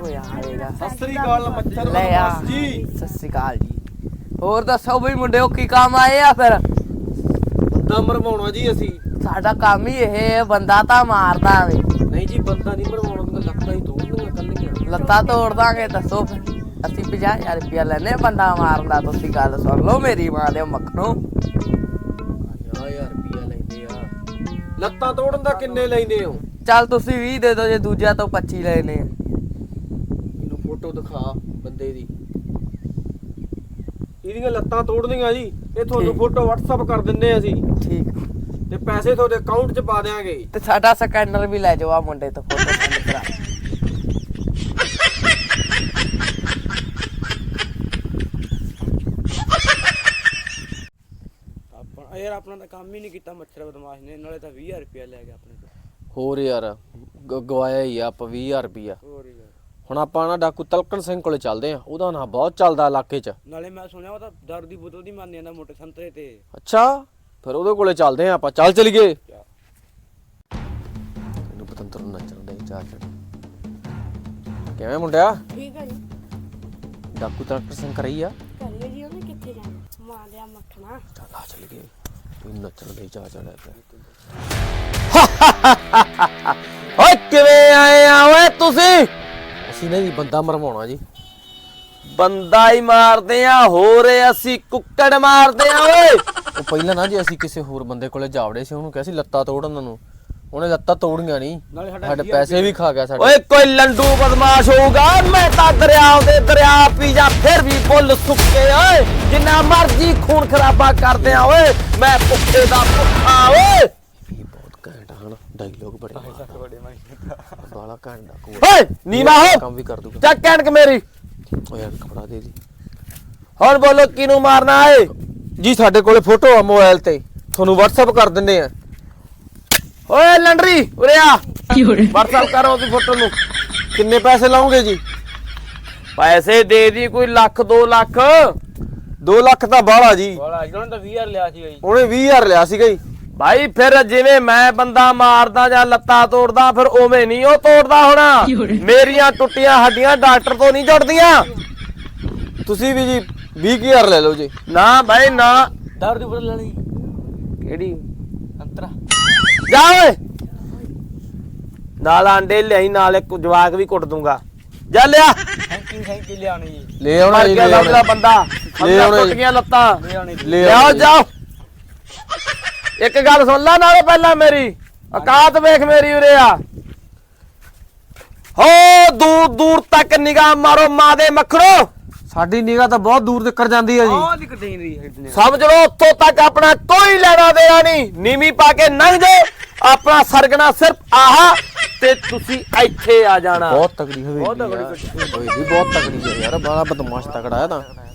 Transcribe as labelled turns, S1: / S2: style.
S1: ਹੋਇਆ ਆਵੇਗਾ।
S2: ਸਤਿ ਸ੍ਰੀ ਅਕਾਲ ਮੱਛਰ
S1: ਲੈ ਆ
S2: ਜੀ।
S1: ਸਤਿ ਸ੍ਰੀ ਅਕਾਲ ਜੀ। ਹੋਰ ਦੱਸੋ ਬਈ ਮੁੰਡਿਓ ਕੀ ਕੰਮ ਆਏ ਆ ਫਿਰ?
S2: ਬੰਦਾ ਮਰਵਾਉਣਾ ਜੀ ਅਸੀਂ।
S1: ਸਾਡਾ ਕੰਮ ਹੀ ਇਹ ਬੰਦਾ ਤਾਂ ਮਾਰਦਾ ਵੇ।
S2: ਨਹੀਂ ਜੀ ਬੰਦਾ ਨਹੀਂ ਮਰਵਾਉਣਾ, ਤਾਂ ਲੱਤਾਂ ਹੀ ਤੋੜਨੀਆਂ ਕੱਲੀਆਂ।
S1: ਲੱਤਾਂ ਤੋੜ ਦਾਂਗੇ ਦੱਸੋ ਫਿਰ। ਅਸੀਂ 50,000 ਰੁਪਇਆ ਲੈਨੇ ਬੰਦਾ ਮਾਰਨ ਦਾ। ਤੁਸੀਂ ਗੱਲ ਸੁਣ ਲਓ ਮੇਰੀ ਮਾਂ ਦੇ ਮੱਖਣੋ।
S2: 50,000 ਰੁਪਇਆ ਲੈਂਦੇ ਆ। ਲੱਤਾਂ ਤੋੜਨ ਦਾ ਕਿੰਨੇ ਲੈਂਦੇ ਹੋ?
S1: ਚੱਲ ਤੁਸੀਂ 20 ਦੇ ਦਿਓ, ਜੇ ਦੂਜਿਆਂ ਤੋਂ 25 ਲੈਨੇ ਆ।
S2: ਮੈਨੂੰ ਫੋਟੋ ਦਿਖਾ ਬੰਦੇ ਦੀ। ਇਹਦੀਆਂ ਲੱਤਾਂ ਤੋੜਨੀਆਂ ਜੀ। ਇਹ ਤੁਹਾਨੂੰ
S1: ਠੀਕ।
S2: ਫੋਟੋ WhatsApp ਕਰ ਦਿੰਨੇ ਆ ਅਸੀਂ,
S1: ਠੀਕ
S2: ਤੇ ਪੈਸੇ ਤੁਹਾਡੇ ਅਕਾਊਂਟ 'ਚ ਪਾ ਦਿਆਂਗੇ।
S1: ਤੇ ਸਾਡਾ ਸਕੈਨਰ ਵੀ ਲੈ ਜਾਓ ਆ ਮੁੰਡੇ ਤੋਂ ਫੋਟੋ ਸੈਂਡ ਕਰਾ।
S3: ਯਾਰ ਆਪਣਾ ਤਾਂ ਕੰਮ ਹੀ ਨਹੀਂ ਕੀਤਾ ਮੱਛਰ ਬਦਮਾਸ਼ ਨੇ, ਨਾਲੇ ਤਾਂ 20,000 ਰੁਪਇਆ ਲੈ ਗਿਆ ਆਪਣੇ ਤੋਂ।
S2: ਹੋਰ ਯਾਰ ਗਵਾਇਆ ਹੀ ਆ ਆਪਾਂ 20,000 ਰੁਪਇਆ।
S3: ਹੋਰ ਯਾਰ
S2: ਹੁਣ ਆਪਾਂ ਨਾ ਡਾਕੂ ਤਲਕਣ ਸਿੰਘ ਕੋਲੇ ਚੱਲਦੇ ਆ। ਉਹਦਾ ਨਾਂ ਬਹੁਤ ਚੱਲਦਾ ਇਲਾਕੇ 'ਚ।
S3: ਨਾਲੇ ਮੈਂ ਸੁਣਿਆ ਉਹ ਤਾਂ ਦਾਰੂ ਦੀ ਬੋਤਲ ਦੀ ਮੰਨ ਜਾਂਦਾ ਮੋਟੇ ਸੰਤਰੇ ਤੇ।
S2: ਅੱਛਾ ਫਿਰ ਉਹਦੇ ਕੋਲੇ ਚੱਲਦੇ ਆ ਆਪਾਂ। ਚੱਲ ਚਲੀਏ। ਇਹਨੂੰ ਪਤੰਤਰ ਨੂੰ ਨੱਚਣ ਦੇ ਚਾਹ ਚੜ। ਕਿਵੇਂ ਮੁੰਡਿਆ?
S4: ਠੀਕ ਹੈ ਜੀ।
S2: ਡਾਕੂ ਤਲਕਣ ਸਿੰਘ ਕਰੀ ਆ।
S4: ਕਰੀਏ ਜੀ, ਉਹਨੇ ਕਿੱਥੇ ਜਾਣਾ? ਮਾਂ ਲਿਆ ਮੱਖਣਾ।
S2: ਚੱਲ ਆ ਚਲੀਏ। ਤੂੰ ਨੱਚਣ ਦੇ ਚਾਹ ਚੜਿਆ ਪਿਆ।
S1: ਓਏ ਕਿਵੇਂ ਆਏ ਆ ਓਏ ਤੁਸੀਂ?
S2: ਅਸੀਂ ਨਾ ਜੀ ਬੰਦਾ ਮਰਵਾਉਣਾ ਜੀ।
S1: ਬੰਦਾ ਹੀ ਮਾਰਦੇ ਆ, ਹੋਰ ਅਸੀਂ ਕੁੱਕੜ ਮਾਰਦੇ ਆ ਓਏ।
S2: ਉਹ ਪਹਿਲਾਂ ਨਾ ਜੀ ਅਸੀਂ ਕਿਸੇ ਹੋਰ ਬੰਦੇ ਕੋਲੇ ਜਾਵੜੇ ਸੀ, ਉਹਨੂੰ ਕਿਹਾ ਸੀ ਲੱਤਾਂ ਤੋੜਨ ਨੂੰ। ਉਹਨੇ ਲੱਤਾਂ ਤੋੜੀਆਂ ਨਹੀਂ,
S3: ਨਾਲੇ
S2: ਸਾਡੇ ਪੈਸੇ ਵੀ ਖਾ ਗਿਆ ਸਾਡੇ।
S1: ਓਏ ਕੋਈ ਲੰਡੂ ਬਦਮਾਸ਼ ਹੋਊਗਾ। ਮੈਂ ਤਾਂ ਦਰਿਆ ਪੀ ਜਾ ਫਿਰ ਵੀ ਫੁੱਲ ਸੁੱਕੇ ਓਏ। ਜਿੰਨਾ ਮਰਜੀ ਖੂਨ ਖਰਾਬਾ ਕਰਦੇ ਆ ਓਏ। ਮੈਂ ਭੁੱਖੇ ਦਾ ਭੁੱਖਾ ਓਏ।
S2: ਇਹ ਬਹੁਤ ਘੈਂਟ ਹਨ ਡਾਇਲੋਗ ਬੜੇ ਬਾਲਾ ਘੈਂਟ ਡਾਕੂ
S1: ਓਏ ਨੀਵਾ ਹੋ
S2: ਕੰਮ ਵੀ ਕਰ ਦੂਗਾ।
S1: ਚੱਕ ਕਣਕ ਮੇਰੀ।
S2: ਓ ਯਾਰ ਕਪੜਾ ਦੇ ਦੀ।
S1: ਹੁਣ ਬੋਲੋ ਕਿਨੂੰ ਮਾਰਨਾ ਏ?
S2: ਜੀ ਸਾਡੇ ਕੋਲੇ ਫੋਟੋ ਆ ਮੋਬਾਈਲ ਤੇ, ਤੁਹਾਨੂੰ WhatsApp ਕਰ ਦਿੰਦੇ ਆ।
S1: ਓਏ ਲੰਡਰੀ ਉਰੇ ਆ। WhatsApp ਕਰੋ ਉਹਦੀ ਫੋਟੋ ਨੂੰ।
S2: ਕਿੰਨੇ ਪੈਸੇ ਲਾਉਂਗੇ ਜੀ?
S1: ਪੈਸੇ ਦੇ ਦੀ ਕੋਈ ਲੱਖ 2 ਲੱਖ।
S2: 2 ਲੱਖ ਤਾਂ ਬਾਹਲਾ ਜੀ।
S3: ਵਾਲਾ ਅੱਜ ਉਹਨੇ ਤਾਂ 20,000 ਲਿਆ ਸੀਗਾ ਜੀ।
S2: ਉਹਨੇ 20,000 ਲਿਆ ਸੀਗਾ ਜੀ।
S1: ਭਾਈ ਫਿਰ ਜਿਵੇਂ ਮੈਂ ਬੰਦਾ ਮਾਰਦਾ ਜਾਂ ਲੱਤਾਂ ਤੋੜਦਾ ਫਿਰ ਉਵੇਂ ਨਹੀਂ ਉਹ ਤੋੜਦਾ ਹੋਣਾ। ਮੇਰੀਆਂ ਟੁੱਟੀਆਂ ਹੱਡੀਆਂ ਡਾਕਟਰ ਤੋਂ ਨਹੀਂ ਜੁੜਦੀਆਂ।
S2: ਤੁਸੀਂ ਵੀ ਜੀ 20,000 ਲੈ ਲਓ ਜੀ।
S1: ਨਾ ਭਾਈ ਨਾ।
S3: ਦਾਰੂ ਦੀ ਬੋਤਲ ਲੈਣੀ
S1: ਕਿਹੜੀ?
S3: ਸੰਤਰਾ।
S1: ਜਾ ਓਏ ਨਾਲ ਆਂਡੇ ਲਿਆਈ, ਨਾਲ ਇੱਕ ਜਵਾਕ ਵੀ ਕੁੱਟ ਦੂੰਗਾ। ਜਾ ਲਿਆ।
S3: ਥੈਂਕ ਯੂ ਲਿਆਉਣੀ ਜੀ।
S2: ਲੈ ਆਉਣਾ
S1: ਮਰ
S2: ਜੀ,
S1: ਗਿਆ
S2: ਲੈ
S1: ਸਮਝਦਾ
S2: ਆਉਣਾ।
S1: ਬੰਦਾ।
S2: ਲੈ ਆਉਣਾ
S1: ਟੁੱਟ
S2: ਜੀ।
S1: ਗਈਆਂ ਲੱਤਾਂ।
S3: ਲਿਆਉਣੀ ਜੀ।
S2: ਲੈ
S1: ਲਿਆਓ
S2: ਆਉਣਾ ਜੀ।
S1: ਜਾਓ। ਇੱਕ ਗੱਲ ਸੁਣ ਲੈ ਨਾਲੇ ਪਹਿਲਾਂ ਮੇਰੀ ਔਕਾਤ ਵੇਖ ਮੇਰੀ ਉਰੇ ਆ। ਹੋ ਦੂਰ ਦੂਰ ਤੱਕ ਨਿਗਾਹ ਮਾਰੋ ਮਾਂ ਦੇ ਮੱਖਣੋ।
S2: ਸਾਡੀ ਨਿਗਾਹ ਤਾਂ ਬਹੁਤ ਦੂਰ ਤੱਕ ਜਾਂਦੀ ਹੈ ਜੀ।
S3: ਆਹ ਦੀ ਕੰਟੇਨਰੀ
S1: ਸਮਝ ਲਓ ਉੱਥੋਂ ਤੱਕ ਆਪਣਾ ਕੋਈ ਲੈਣਾ ਦੇਣਾ ਨਹੀਂ। ਨੀਵੀਂ ਪਾ ਕੇ ਲੰਘ ਜਾਓ। ਆਪਣਾ ਸਰਗਣਾ ਸਿਰਫ ਆਹ ਤੇ ਤੁਸੀਂ ਇੱਥੇ ਆ ਜਾਣਾ।
S2: ਬਹੁਤ ਤਕੜੀ ਹੋਈ
S3: ਬਹੁਤ ਤਕੜੀ
S2: ਹੋਈ ਵੀ ਬਹੁਤ ਤਕੜੀ ਹੈ ਯਾਰ। ਬੜਾ ਬਦਮਾਸ਼ ਤਕੜਾ ਹੈ ਤਾਂ।